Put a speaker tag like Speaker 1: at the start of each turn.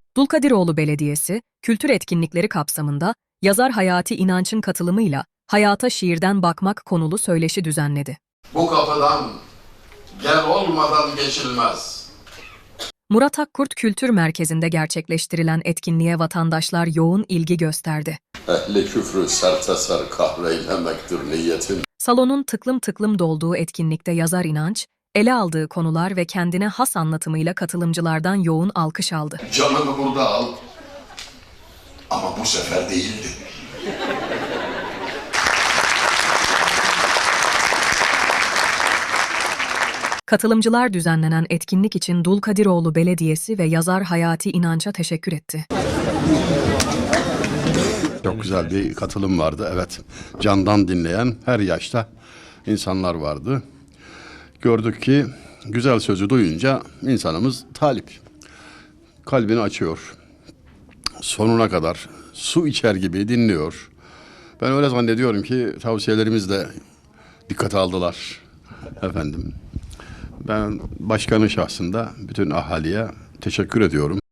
Speaker 1: Dulkadiroğlu Belediyesi, kültür etkinlikleri kapsamında yazar Hayati İnanç'ın katılımıyla Hayata Şiirden Bakmak konulu söyleşi düzenledi.
Speaker 2: Bu kapıdan gel olmadan geçilmez.
Speaker 1: Murat Akkurt Kültür Merkezi'nde gerçekleştirilen etkinliğe vatandaşlar yoğun ilgi gösterdi.
Speaker 2: Ehli küfrü serteser kahreylemektir niyetin.
Speaker 1: Salonun tıklım tıklım dolduğu etkinlikte yazar İnanç, ele aldığı konular ve kendine has anlatımıyla katılımcılardan yoğun alkış aldı.
Speaker 2: Canını burada al. Ama bu sefer değildi.
Speaker 1: Katılımcılar düzenlenen etkinlik için Dulkadiroğlu Belediyesi ve yazar Hayati İnanç'a teşekkür etti.
Speaker 3: Çok güzel bir katılım vardı, evet. Candan dinleyen her yaşta insanlar vardı. Gördük ki güzel sözü duyunca insanımız talip. Kalbini açıyor. Sonuna kadar su içer gibi dinliyor. Ben öyle zannediyorum ki tavsiyelerimiz de dikkate aldılar efendim. Ben başkanın şahsında bütün ahaliye teşekkür ediyorum.